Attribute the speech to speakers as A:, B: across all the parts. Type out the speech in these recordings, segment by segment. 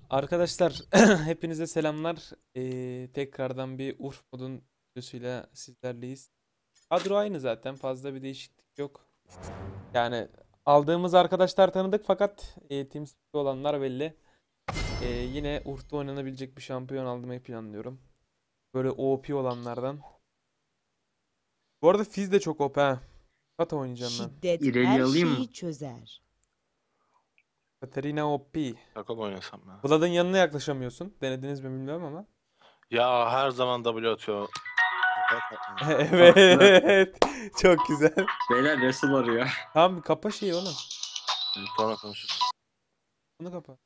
A: Arkadaşlar hepinize selamlar. Tekrardan bir Urf modun videosuyla sizlerleyiz. Kadro aynı zaten, fazla bir değişiklik yok. Yani aldığımız arkadaşlar tanıdık fakat TeamSpeak'te olanlar belli. Yine Urf'ta oynanabilecek bir şampiyon almayı planlıyorum. Böyle OP olanlardan. Bu arada Fizz de çok OP ha. Kata oynayacağım ben.
B: Şiddet
C: İreli
B: her
C: alayım mı?
B: şeyi çözer.
A: Katarina OP.
D: Takım oynasam ya.
A: Vlad'ın yanına yaklaşamıyorsun. Denediniz mi bilmiyorum ama.
D: Ya her zaman W atıyor.
A: Evet. Çok güzel.
C: Beyler Resul arıyor.
A: Tamam, kapa şeyi oğlum.
D: Sonra konuşuruz.
A: Bunu kapa.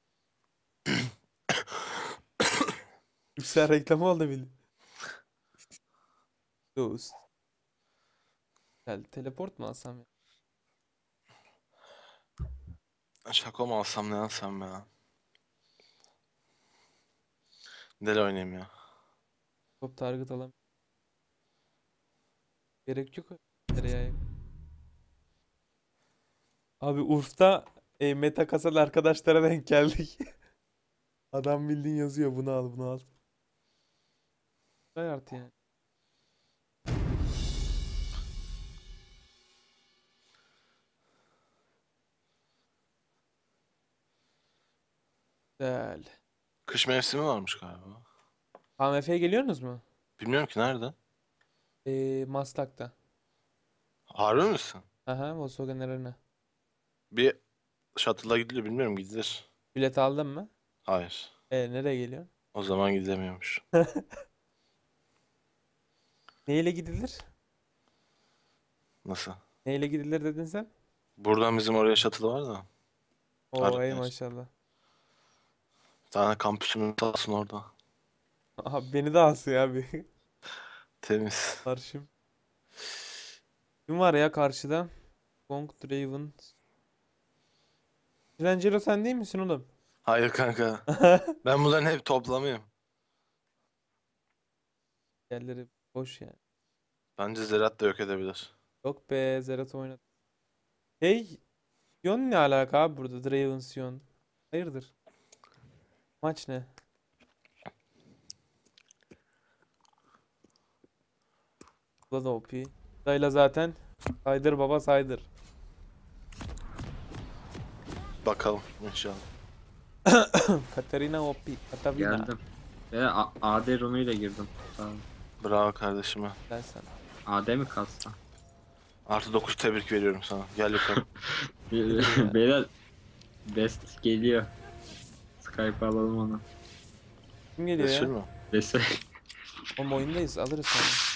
A: Yüksel reklamı oldu bildi. Dost. Gel teleport mu alsam ya?
D: Şaka mı alsam ne alsam ya? Deli oynayayım ya.
A: Top target alam. Gerek yok. Nereye? Abi Urf'ta meta kasal arkadaşlara denk geldik. Adam bildiğin yazıyor, bunu al bunu al. Vay artı yani. Güzel.
D: Kış mevsimi varmış galiba.
A: KMF'ye geliyorsunuz mu?
D: Bilmiyorum ki nerede?
A: Maslak'ta.
D: Harbi misin?
A: Aha, Volkswagen Arena.
D: Bir shuttle'a gidilir bilmiyorum gidilir.
A: Bilet aldın mı?
D: Hayır.
A: Nereye geliyorsun?
D: O zaman gidilemiyormuş.
A: Neyle gidilir?
D: Nasıl?
A: Neyle gidilir dedin sen?
D: Buradan bizim oraya shuttle var da.
A: Oo ey
D: Evet.
A: maşallah.
D: Bir tane kampüsümün sağ olsun orada.
A: Abi beni de alsın ya bir.
D: Temiz.
A: Karşım. Kim var ya karşıda? Kong Draven. Michelangelo sen değil misin oğlum?
D: Hayır kanka. Ben bunların hep toplamıyım.
A: Yerleri boş yani.
D: Bence Zerat da yok edebilir.
A: Yok be, Zerat oynadı. Hey, Sion ne alaka abi burada? Draven Sion. Hayırdır? Maç ne? Bu da OP. Dayla zaten. Saydır baba saydır.
D: Bakalım inşallah.
A: Katarina OP. Katarina.
C: Geldim. Ve AD runuyla girdim. Tamam.
D: Bravo kardeşime.
A: Gel sen.
C: AD mi kalsa?
D: Artı 9 tebrik veriyorum sana. Gel yukarı.
C: Beyler Best geliyor. Skype alalım onu.
A: Kim geliyor
D: Resul
A: ya?
D: mü?
C: Resul
A: Oğlum oyundayız, alırız sonra.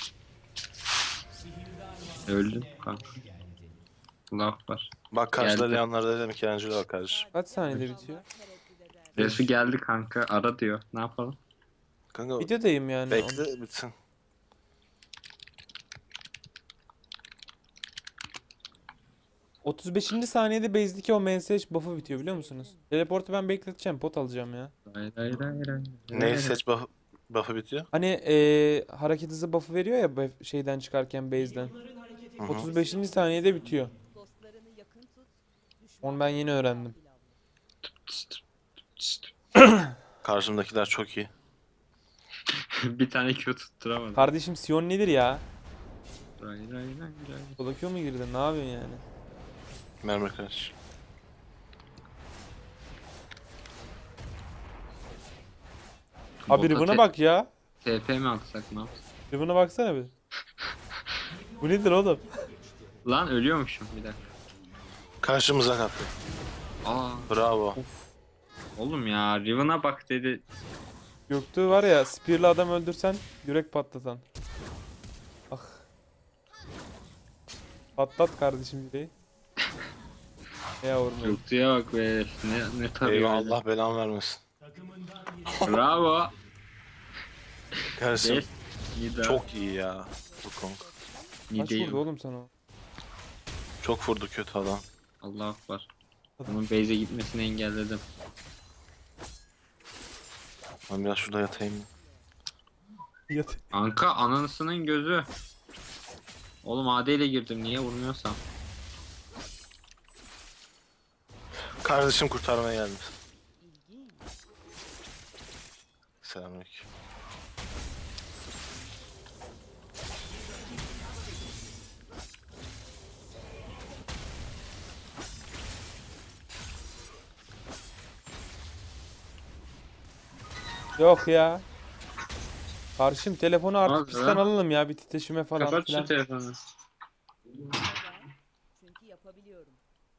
C: öldün kanka. Laf var.
D: Bak karşıda
C: Geldi.
D: Leon'larda da Michelangelo var kardeşim.
A: Kaç saniyede bitiyor?
C: Resul geldi kanka. Ara diyor. Ne yapalım?
D: Kanka
A: Videodayım yani.
D: bekle bitsin.
A: O 35. saniyede base'deki o MSH buff'ı bitiyor biliyor musunuz? Teleportu ben bekleteceğim, pot alacağım ya.
C: Hayır hayır hayır hayır.
D: Neyi seç buff'ı bitiyor?
A: Hani hareket hızı buff'ı veriyor ya şeyden çıkarken base'den.
D: Hı hı.
A: 35. saniyede bitiyor. Onu ben yeni öğrendim.
D: Karşımdakiler çok iyi.
C: Bir tane Q tutturamadım.
A: Kardeşim Sion nedir ya?
C: Hayır hayır hayır hayır.
A: Solo Q mu girdin? Ne yapıyorsun yani?
D: Mermer kardeş.
A: Abi Riven'a bak ya.
C: TP mi atsak ne yapsak?
A: Riven'a baksana bir. Bu nedir oğlum?
C: Lan ölüyormuşum bir dakika.
D: Karşımıza kattı.
C: Aa
D: Bravo.
A: Of.
C: oğlum ya Riven'a bak dedi.
A: Göktuğ var ya, spear'la adam öldürsen yürek patlatan. Ah. Patlat kardeşim yüreği. Yavrum.
C: Göktuğ'a bak be. Ne tarıyor
D: Eyvah
C: öyle.
D: Allah belamı vermesin.
C: Bravo.
D: Kardeşim
C: Best. Nida.
D: çok iyi ya. Bu Kong.
A: Kaç
C: Nida'yı
A: vurdu oğlum sana o?
D: Çok vurdu kötü adam.
C: Allah akbar. Onun base'e gitmesini engelledim.
D: Ben biraz şurada yatayım.
A: Yat.
C: Anka anasının gözü. Oğlum AD ile girdim niye vurmuyorsam.
D: Kardeşim kurtarmaya geldi. Selamünaleyküm.
A: Yok ya. Karşım telefonu artık
C: Abi
A: pistten
C: ya.
A: alalım ya, bir titreşime falan
C: Kapat şu
A: filan.
C: telefonu.
B: Çünkü yapabiliyorum.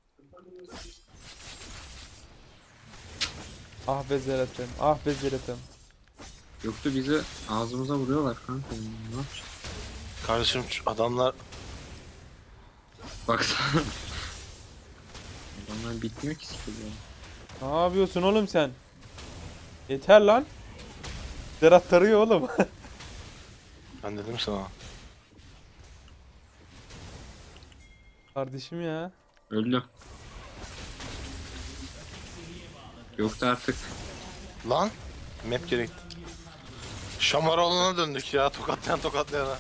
A: Ah be Zerat'ım, ah be Zerat'ım.
C: Yoksa bizi ağzımıza vuruyorlar kanka. Ne yapacağız?
D: Kardeşim şu adamlar
C: Baksana. Adamlar bitmiyor ki sikiliyor.
A: Ne yapıyorsun oğlum sen? Yeter lan. Zerat tarıyor oğlum.
D: ben dedim sana.
A: Kardeşim ya.
C: Öldüm. Yoksa artık
D: Lan map geri gitti. Şamaroğlu'na döndük ya, tokatlayan tokatlayana.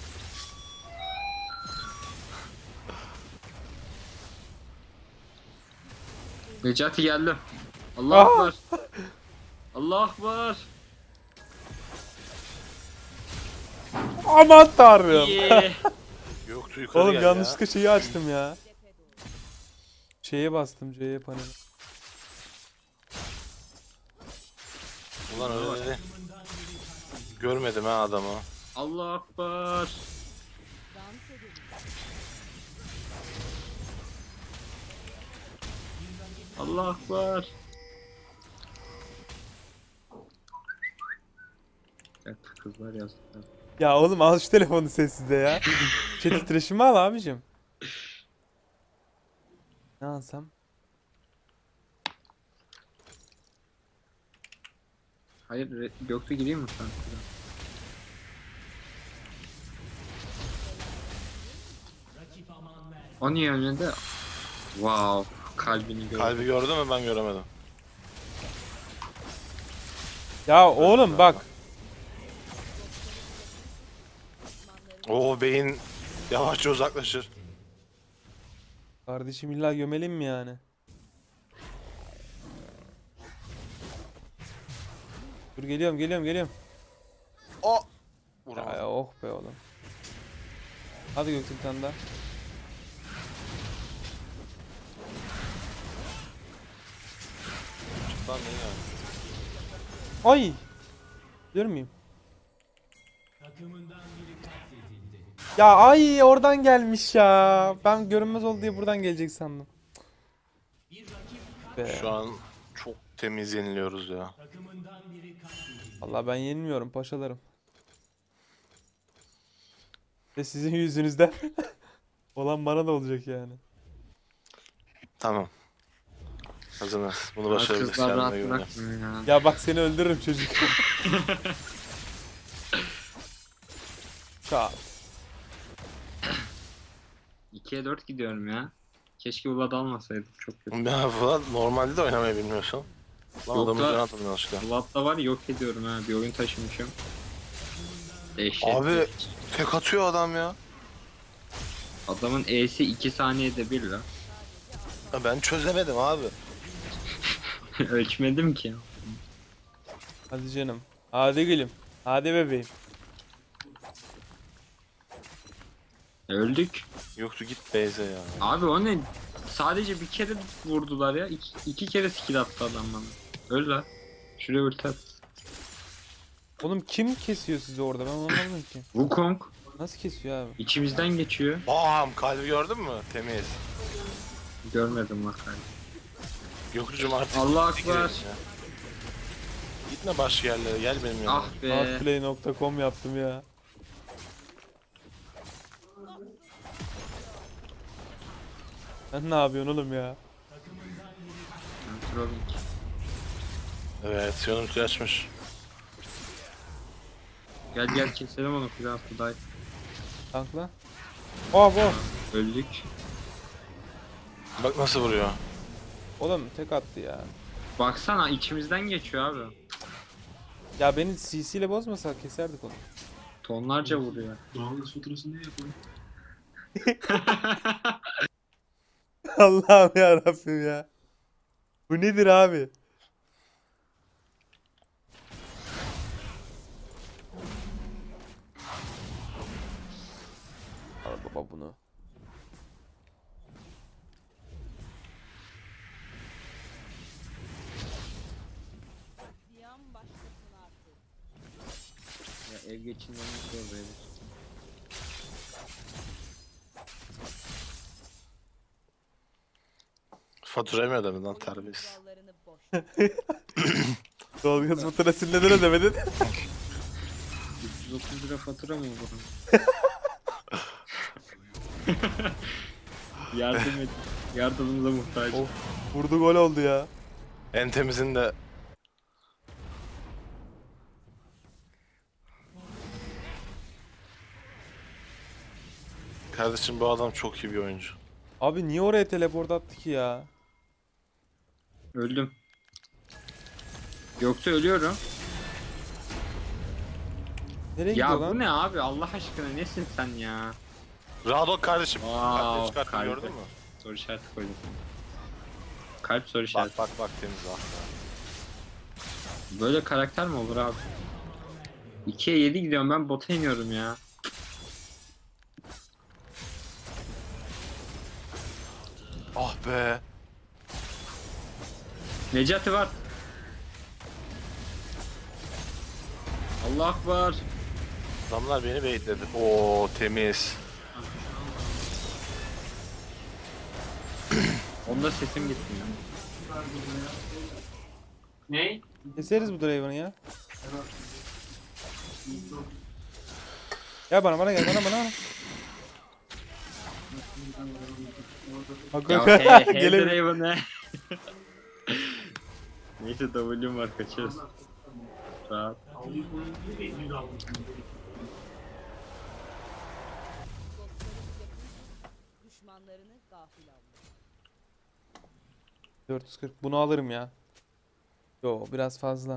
C: Necati geldi. Allah
A: Ah!
C: akbar. Allah akbar.
A: Aman tanrım.
C: Yeah.
D: Yoktu yukarı
A: Oğlum
D: gel
A: yanlışlıkla şeyi açtım ya. Şeye bastım, C'ye paneli.
D: ya. Ulan öyle dedi. Görmedim ha adamı.
C: Allah akbar.
B: Dans edelim.
C: Allah akbar. Evet, kızlar yazdılar.
A: Ya oğlum al şu telefonu sessizde ya. Chat titreşimi al abicim. Ne alsam?
C: Hayır, yoksa gireyim mi sen? O niye önünde? Wow, kalbini gördüm.
D: Kalbi gördün mü, ben göremedim.
A: Ya oğlum bak.
D: Oo, beyin yavaşça uzaklaşır.
A: Kardeşim illa gömelim mi yani? Dur geliyorum, geliyorum.
D: O.
A: Ya,
D: Vuramadım.
A: oh be oğlum. Hadi Göktuğ bir tane daha.
D: Lan ne yani?
A: Ay! Görür müyüm? Ya ay oradan gelmiş ya. Ben görünmez oldu diye buradan gelecek sandım. Be.
D: Şu an çok temiz yeniliyoruz ya.
A: Vallahi ben yenilmiyorum paşalarım. Ve sizin yüzünüzden olan bana da olacak yani.
D: Tamam. Hazırız. Bunu
C: Ya
D: başarabiliriz,
C: kızlar
D: kendime
C: rahat
D: güveniyorum.
C: bırakmıyor ya.
A: Ya bak seni öldürürüm çocuk. Çat.
C: 2'ye 4 gidiyorum ya. Keşke Vlad almasaydım, çok kötü.
D: Ya falan normalde de oynamayı bilmiyorsun. Lan
C: Yok
D: adamı
C: da-
D: can atmadın yanlışlıkla.
C: Vlad'da var ya, yok ediyorum ha, bir oyun taşımışım. Dehşet.
D: Abi tek atıyor adam ya.
C: Adamın E'si 2 saniyede bir la.
D: Ya ben çözemedim abi.
C: Ölçmedim ki.
A: Hadi canım. Hadi gülüm. Hadi bebeğim.
C: Öldük.
D: Yoktu, git Beyze ya.
C: Abi o ne? Sadece bir kere vurdular ya. İki kere skill attı adam bana. Öl la. Şuraya ulti at.
A: Oğlum kim kesiyor sizi orada? Ben anlamadım ki.
C: Wukong
A: Nasıl kesiyor abi?
C: içimizden geçiyor.
D: Bam, kalbi gördün mü? Temiz.
C: Görmedim bak abi.
D: Yoktucum artık.
C: Allah
D: gitti,
C: akbar.
D: gidelim ya. Gitme başka yerlere, gel benim yanıma.
C: Ah be.
A: Artplay.com yaptım ya. Sen ne yapıyorsun oğlum ya?
C: Trolling.
D: Evet, Sion'un açmış.
C: Gel gel keselim onu, Kral Kuday.
A: Tankla. Oh bu.
C: Öldük.
D: Bak nasıl vuruyor.
A: Oğlum tek attı ya.
C: Baksana içimizden geçiyor abi.
A: Ya beni CC ile bozmasa keserdik onu.
C: Tonlarca vuruyor.
E: Doğalgaz faturasını ne yapalım?
A: Allah'ım ya Rabbim ya. Bu nedir abi?
C: ev geçinmemiz zor böyle.
D: Fatura yemiyor değil mi lan
B: Oyunun
D: terbiyesiz.
B: kurallarını boş.
A: Doğalgaz faturasını neden ödemedin?
C: 330 lira fatura mı bu? Yardım et. Yardımımıza muhtaç.
A: Of, vurdu gol oldu ya.
D: En temizinde kardeşim bu adam çok iyi bir oyuncu.
A: Abi niye oraya teleport attı ki ya?
C: Öldüm. Yoksa ölüyorum.
A: Nereye
C: Ya
A: gidiyor
C: bu
A: lan?
C: ne abi? Allah aşkına nesin sen ya?
D: Radok kardeşim.
C: Wow,
D: Çıkarttın
C: kalbi.
D: gördün mü?
C: Soru işareti koydum. Kalp soru
D: Bak
C: işareti.
D: bak bak temiz bak.
C: Böyle karakter mi olur abi? 2'ye 7 gidiyorum, ben bota iniyorum ya.
D: Ah be.
C: Necati var. Allah akbar.
D: Adamlar beni bekledi. Oo temiz.
C: Onda sesim gitmiyor. Ne?
A: Keseriz bu Draven'ı ya. Gel bana gel bana. Bak
C: Ya
A: bak
C: hey
A: gelemiyor.
C: Draven ne? Neyse W'm var, kaçıyoruz. Rahat.
B: Dostlarımı yakın, düşmanlarını gafil avla.
A: 440 bunu alırım ya. Yo biraz fazla.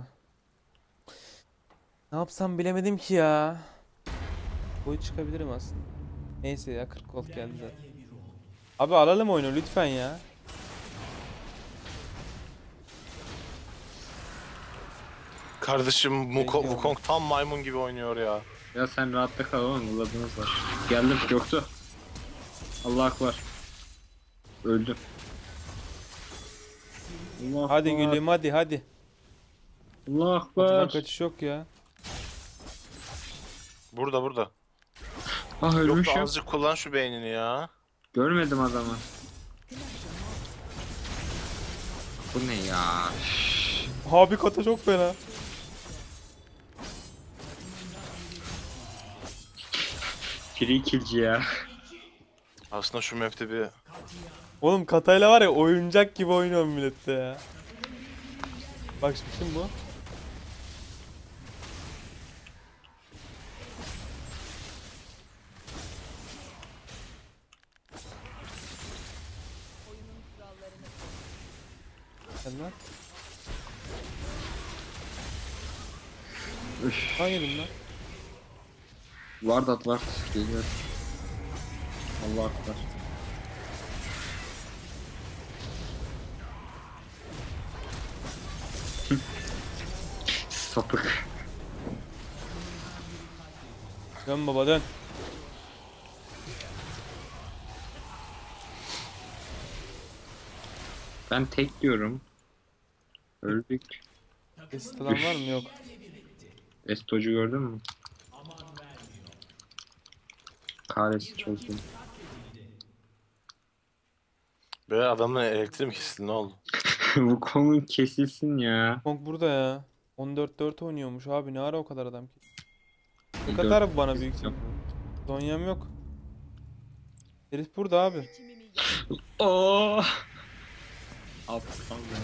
A: Ne yapsam bilemedim ki ya. Boyu çıkabilirim aslında. Neyse ya 40 gold geldi zaten. Abi alalım oyunu lütfen ya.
D: Kardeşim
A: Peki,
D: Wukong tam maymun gibi oynuyor ya.
C: Ya sen rahatta kal oğlum, buladığınız var. Geldim, yoktu. Allah akbar. Öldüm. Allah
A: Hadi
C: akbar.
A: gülüm hadi.
C: Allah
A: Acıdan
C: akbar.
A: kaçış yok ya.
D: Burada.
C: Ah
D: Yok da
C: ölmüşüm.
D: azıcık kullan şu beynini ya.
C: Görmedim adamı. Bu ne ya?
A: Abi kata çok fena.
C: Free killci ya.
D: Aslında şu map'te bir
A: Oğlum katayla var ya oyuncak gibi oynuyor millette ya. Bak şimdi bu.
B: Oyunun kurallarını
A: Sen lan.
C: Üf.
A: Hangi lan?
C: Vardat var. Geliyor. Allah akbar. Sapık.
A: Dön baba dön.
C: Ben tek diyorum. Öldük.
A: Kesit alan var mı? Yok.
C: Estocu gördün mü? Kahretsin çok iyi.
D: böyle adamın elektriği mi kesildi ne oldu?
C: Bu konu kesilsin ya.
A: Kong burada ya. 14-4 oynuyormuş abi ne ara o kadar adam ki. Ne
C: Dört-
A: kadar bu bana büyük ihtimal. Zonya'm yok. Herif burada abi.
B: seçimimi yap.
C: Oo. Aptal ya.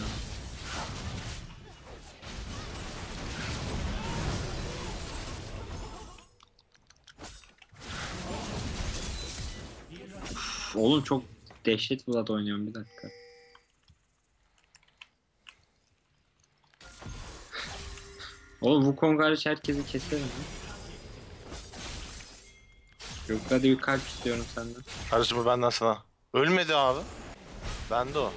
C: Oğlum çok dehşet Vlad oynuyorum, bir dakika. Oğlum Wukong hariç herkesi keserim mi? Yok hadi bir kalp istiyorum senden.
D: Kardeşim bu benden sana. Ölmedi abi. Bende o.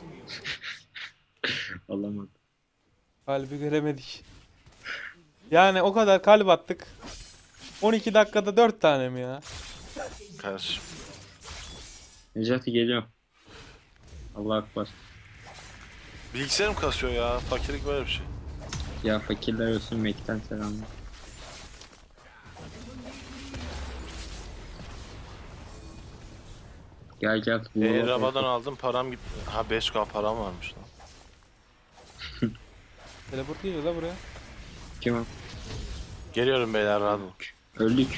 C: Alamadım.
A: Kalbi göremedik. Yani o kadar kalp attık. 12 dakikada 4 tane mi ya?
D: Kardeşim.
C: Necati geliyor. Allah akbar.
D: Bilgisayarım kasıyor ya. Fakirlik böyle bir şey.
C: Ya fakirler olsun, Mac'ten selamlar. Gel gel. vuralım.
D: Rabadan aldım param gitti. Ha 5k param varmış lan.
A: Teleport geliyor la buraya.
C: Kim o?
D: Geliyorum beyler rahat olun.
C: Öldük.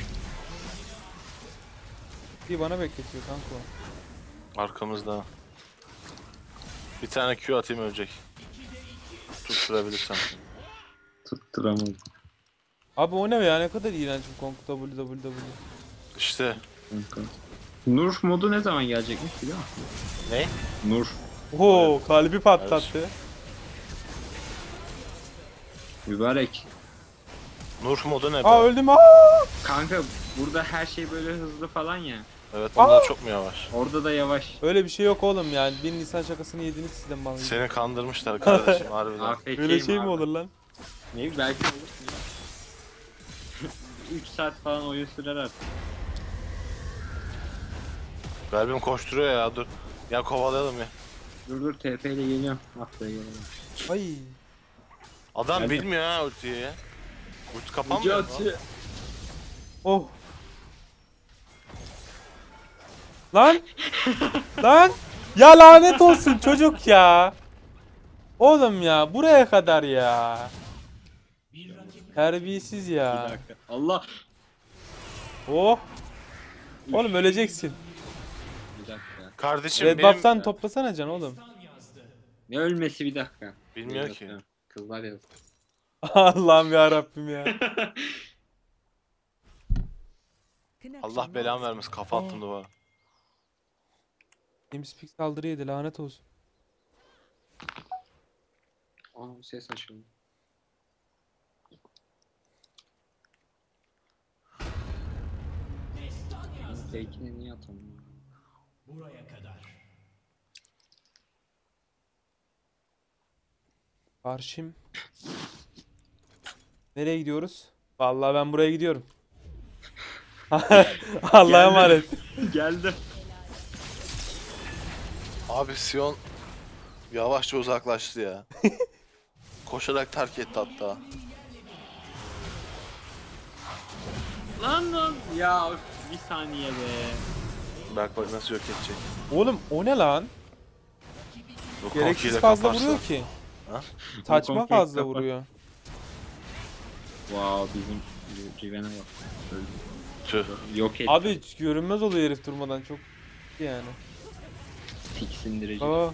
A: Bir bana bekletiyor kanka o.
D: Arkamızda. Bir tane Q atayım ölecek. Tutturabilirsem.
C: Tutturamadım.
A: Abi o ne ya, ne kadar iğrenç bu Kong www.
D: İşte.
C: Kanka. Nur modu ne zaman gelecekmiş biliyor musun?
D: Ne?
C: Nur.
A: Oo, kalbi patlattı.
C: Mübarek.
D: Nur modu ne be?
A: Aa öldüm aa.
C: Kanka burada her şey böyle hızlı falan ya.
D: Evet bunda çok mu yavaş?
C: Orada da yavaş.
A: Öyle bir şey yok oğlum yani. 1000 Nisan şakasını yediniz sizden bana.
D: Seni kandırmışlar kardeşim harbiden.
C: AFK'yim
A: Böyle şey mi
C: abi.
A: olur lan?
C: Ne bileyim, belki olur. 3 saat falan oyun sürer artık.
D: Kalbim koşturuyor ya dur. Ya kovalayalım ya.
C: Dur TP ile geliyorum. Atla gelelim.
A: Ay.
D: Adam
C: Nerede?
D: bilmiyor ha ultiyi ya. Ulti kapanmıyor mu?
A: Oh. Lan. Lan. Ya lanet olsun çocuk ya. Oğlum ya buraya kadar ya. Terbiyesiz
C: Bir
A: ya.
C: dakika. Allah.
A: Oh. Oğlum öleceksin.
C: Bir dakika.
D: Kardeşim
A: Red
D: benim...
A: buff'tan toplasana can oğlum.
C: Ne ölmesi bir dakika.
D: Bilmiyor ki.
C: Kızlar yazdı.
A: Allah'ım ya Rabbim ya.
D: Allah belamı vermesin kafa attım duvara.
A: TeamSpeak saldırı yedi lanet olsun.
C: Aa ses açıldı. Fake'ini niye atamıyorum?
A: Karşım. Nereye gidiyoruz? Vallahi ben buraya gidiyorum. Allah'a emanet.
C: Geldi.
D: Abi Sion yavaşça uzaklaştı ya. Koşarak terk etti hatta.
C: Lan. Ya üf, bir saniye be.
D: Bak bak nasıl yok edecek.
A: Oğlum o ne lan?
D: Bu
A: Gereksiz
D: konkiyle
A: fazla
D: kaparsa.
A: vuruyor ki.
D: Ha?
A: Saçma
C: Konkiyle
A: fazla
C: kapar.
A: vuruyor.
C: Wow bizim Riven'e bak. Öldü.
D: Tüh.
C: Yok etti.
A: Abi görünmez oluyor herif durmadan çok yani.
C: Tiksindirici.
A: Aa,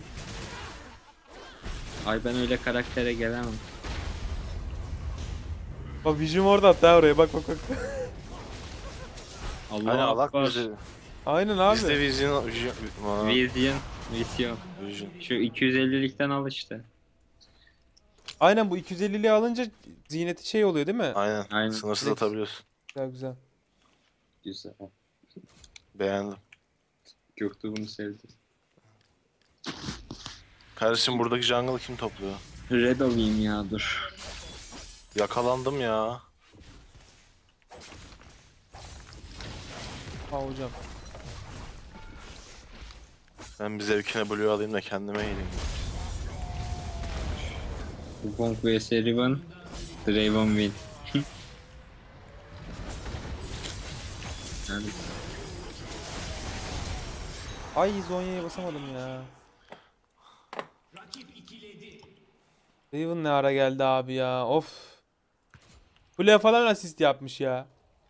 C: Ay ben öyle karaktere gelemem.
A: bak Vision orada hatta oraya bak bak bak.
C: Allah
D: Aynen alak
C: akbar.
D: bizi.
A: Aynen abi.
D: Bizde Vision...
C: Vision.
D: Vision.
C: Şu 250'likten al işte.
A: Aynen bu 250'liği alınca ziyneti şey oluyor değil mi?
D: Aynen.
C: Aynen.
D: Sınırsız
A: Direkt-
D: atabiliyorsun.
A: Güzel güzel.
C: Güzel.
D: Beğendim.
C: Göktuğ bunu sevdi.
D: Kardeşim buradaki jungle'ı kim topluyor?
C: Red alayım ya dur.
D: Yakalandım ya.
A: Ha hocam.
D: Ben bir zevkine blue alayım da kendime geleyim.
C: Wukong vs Riven. Draven win. Yani
A: Ay Zonya'ya basamadım ya. Riven ne ara geldi abi ya. Of. Kule falan asist yapmış ya.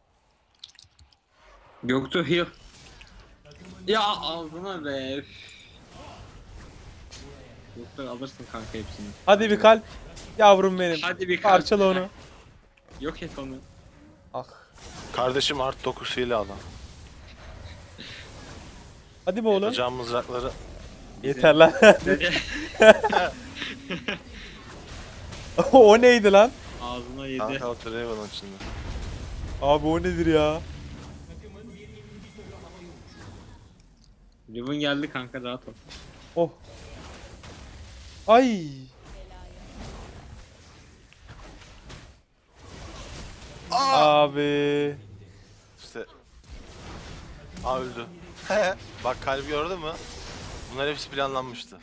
C: Göktuğ heal. Ya ağzına be. üf. Göktuğ alırsın kanka hepsini.
A: Hadi bir kalp. Yavrum benim.
C: Hadi bir kalp.
A: Parçala onu.
C: Yok et onu.
A: Ah.
D: Kardeşim art 9 hile alan.
A: Hadi be oğlum.
D: Yapacağım mızrakları.
A: Yeter lan. O neydi lan?
C: Ağzına yedi.
D: Kanka o Draven'ın içinde.
A: Abi o nedir ya?
C: Riven geldi kanka rahat ol.
A: Oh. Ay. Abi.
D: İşte. Aa öldü. Bak kalbi gördün mü? Bunlar hepsi planlanmıştı.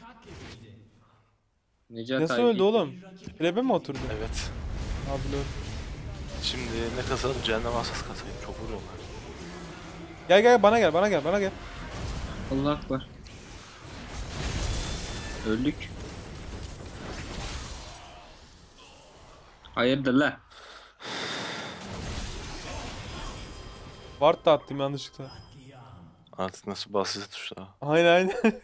C: Necat
A: Nasıl
C: abi
A: öldü
C: gitti.
A: oğlum? Trebe mi oturdu?
D: Evet.
A: Abi lol.
D: Şimdi ne kasalım? Cehennem asas kasayım. Çok vuruyorlar.
A: Gel gel bana gel bana gel bana gel.
C: Allah akbar. Öldük. Hayırdır la?
A: Ward da attım yanlışlıkla.
D: Artık nasıl basit tuşlar.
A: Aynen aynen.
B: Seni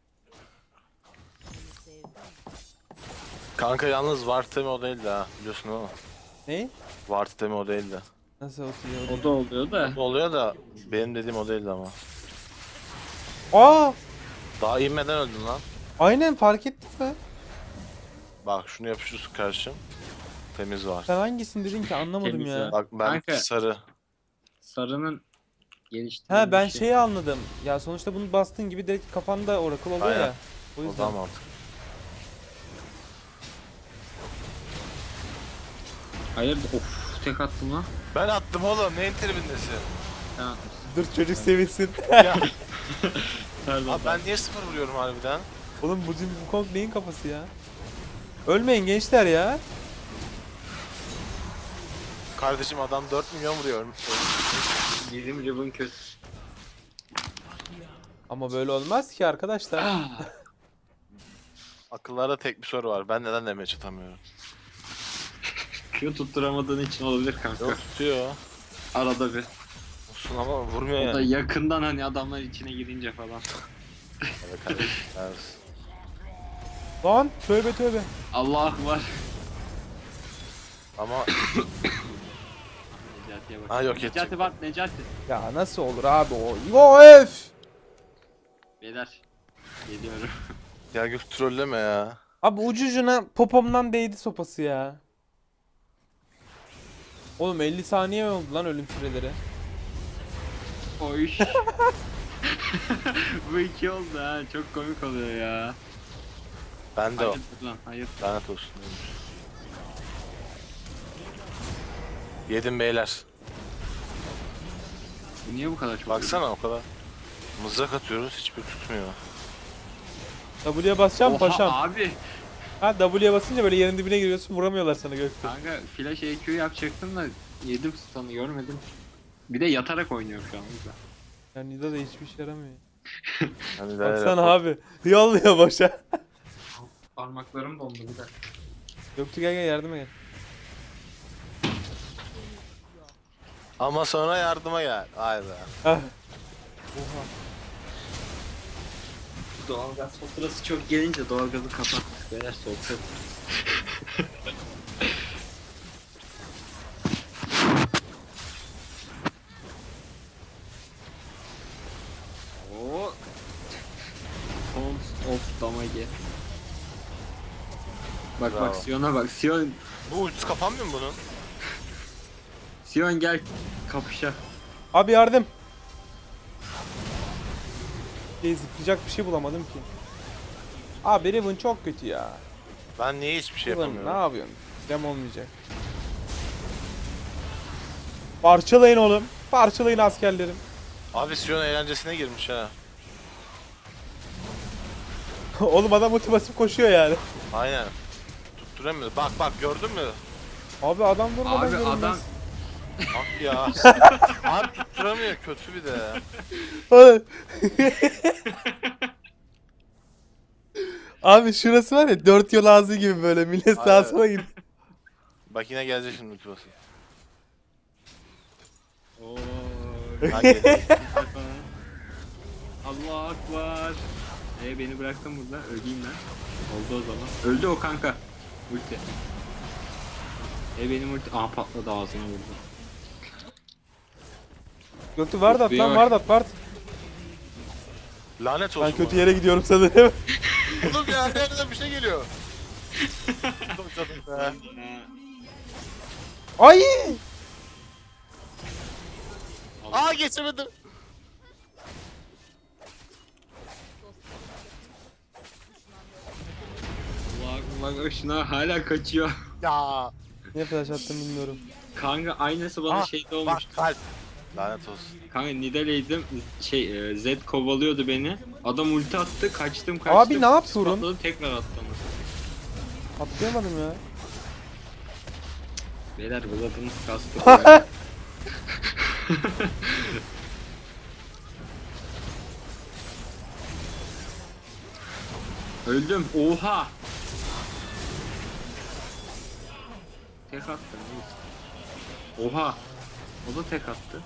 B: sevdim.
D: Kanka yalnız Vartemi o değildi ha. Biliyorsun ama.
A: Ne?
D: Vartemi o değildi.
A: Nasıl oturuyor?
C: O da oluyor da.
D: O oluyor da benim dediğim o değildi ama.
A: Aa!
D: Daha inmeden öldün lan.
A: Aynen fark ettin mi?
D: Bak şunu yapışıyorsun karşım. Temiz var.
A: Sen hangisini dedin ki anlamadım
C: Temiz
A: ya.
C: ya.
D: Bak ben
C: Kanka.
D: sarı.
C: Sarının geliştirilmiş.
A: Ha ben şeyi anladım. Ya sonuçta bunu bastığın gibi direkt kafanda Oracle oluyor
D: Aynen.
A: ya. O
D: O
A: yüzden.
D: da mantıklı.
C: Hayırdır? Of tek attım lan.
D: Ben attım oğlum. Neyin tribindesin?
C: Sen atmışsın.
A: Dur çocuk sevinsin.
D: Ya
C: Pardon.
D: abi ben niye sıfır vuruyorum harbiden?
A: Oğlum bu Kong neyin kafası ya? Ölmeyin gençler ya.
D: Kardeşim adam 4 milyon vuruyor.
C: Bizim Riven kötü.
A: Ama böyle olmaz ki arkadaşlar.
D: Akıllarda tek bir soru var. Ben neden damage atamıyorum?
C: Q tutturamadığın için olabilir kanka.
D: Yok tutuyor.
C: Arada bir.
D: Olsun ama vurmuyor
C: O da
D: yani.
C: yakından hani adamlar içine girince falan.
D: Evet kardeşim. Evet.
A: Lan tövbe tövbe.
C: Allah var.
D: Ama
C: Necati'ye bak.
D: Ha, yok edecek.
C: Necati bak Necati.
A: Ya nasıl olur abi o? Yo öf.
C: Beyler. Geliyorum.
D: ya Gök trolleme ya.
A: Abi ucucuna popomdan değdi sopası ya. Oğlum 50 saniye mi oldu lan ölüm süreleri?
C: Oy. Bu iki oldu ha. Çok komik oluyor ya.
D: Ben de o.
C: Hayır lan hayır.
D: Lanet olsun demiş. Yedim beyler.
C: Bu niye bu kadar çok?
D: Baksana o kadar. Mızrak atıyoruz hiçbir tutmuyor.
A: W'ye basacağım
C: Oha,
A: paşam.
C: abi.
A: Ha W'ye basınca böyle yerin dibine giriyorsun vuramıyorlar sana Gökte.
C: Kanka flash EQ yapacaktım da yedim stun'ı görmedim. Bir de yatarak oynuyorum şu an o yüzden.
A: Ya Nida da hiçbir işe yaramıyor.
D: Hani
A: Baksana abi. Yolluyor boşa.
C: Parmaklarım dondu bir dakika.
A: Göktuğ gel yardıma gel.
D: Ama sonra yardıma gel. Hayda.
A: Ah. Oha.
C: Doğalgaz faturası çok gelince doğalgazı kapattık. Beyler soğuk. Oo. Tons of damage. Bak
D: Bravo.
C: bak Sion'a bak.
D: Bu ultisi kapanmıyor mu bunun?
C: Sion gel kapışa.
A: Abi yardım. Zıplayacak bir şey bulamadım ki. Abi Riven çok kötü ya.
D: Ben niye hiçbir şey
A: Riven ne
D: yapamıyorum?
A: yapıyorsun? Dem olmayacak. Parçalayın oğlum. Parçalayın askerlerim.
D: Abi Sion eğlencesine girmiş ha.
A: Oğlum adam ulti basıp koşuyor yani.
D: Aynen. Tutturamıyor. Bak bak gördün mü?
A: Abi adam vurmadan
C: Abi
A: görünmez.
C: adam
D: Bak ya. Abi tutturamıyor kötü bir de.
A: Abi şurası var ya 4 yol ağzı gibi böyle millet sağa
D: Aynen.
A: sola gidiyor.
D: Bak yine gelecek şimdi ulti basın.
C: Oo.
D: Hadi.
C: Allah akbar. Beni bıraktın burada. Öleyim ben. Oldu o zaman. Öldü o kanka. Ulti. Benim ulti. Aha patladı ağzına vurdu.
A: Göktuğ Vardat lan
C: Yok.
A: Vardat Vart.
D: Lanet olsun.
A: Ben kötü
D: bana.
A: yere gidiyorum sanırım.
D: Oğlum ya nereden bir şey geliyor. Oğlum canım be.
A: Ay!
D: Aa geçemedim.
C: Allah akbar. Şuna hala kaçıyor.
D: Ya.
A: Niye flash attım bilmiyorum.
C: Kanka aynısı bana
D: Aa,
C: şeyde
D: Bak
C: olmuş.
D: kalp. Lanet olsun.
C: Kanka Nidalee'ydim. Z kovalıyordu beni. Adam ulti attı. Kaçtım kaçtım.
A: Abi ne yapıyorum?
C: Patladı tekrar attı onu.
A: Atlayamadım ya.
C: Beyler Vlad'ımız kastı. Öldüm. Oha. Tek attı. Neyse. Oha. O da tek attı.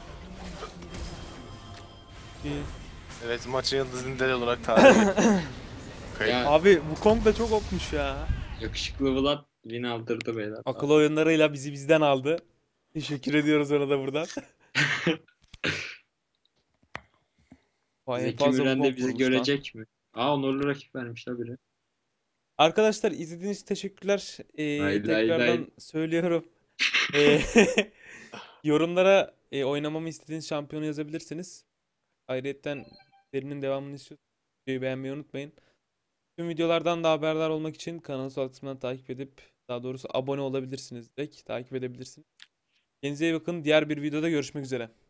A: İyi.
D: Evet, maçın yıldızı Nidale olarak tarih Kayıp.
C: Ya,
A: Abi bu Kong da çok okmuş ya.
C: yakışıklı Vlad win aldırdı beyler.
A: Akıl oyunlarıyla bizi bizden aldı. Teşekkür ediyoruz ona da buradan. Vay, en
C: Zeki
A: fazla bu
C: Müren
A: Kong
C: de bizi
A: vurmuş lan.
C: görecek mi? Aa, onurlu rakip vermişler biri.
A: Arkadaşlar izlediğiniz için teşekkürler.
C: Lay lay
A: Tekrardan
C: lay.
A: söylüyorum. Ee, yorumlara oynamamı istediğiniz şampiyonu yazabilirsiniz. Ayrıca serinin devamını istiyorsanız videoyu beğenmeyi unutmayın. Tüm videolardan da haberdar olmak için kanalı sol kısmından takip edip, daha doğrusu abone olabilirsiniz direkt. Takip edebilirsiniz. Kendinize iyi bakın. Diğer bir videoda görüşmek üzere.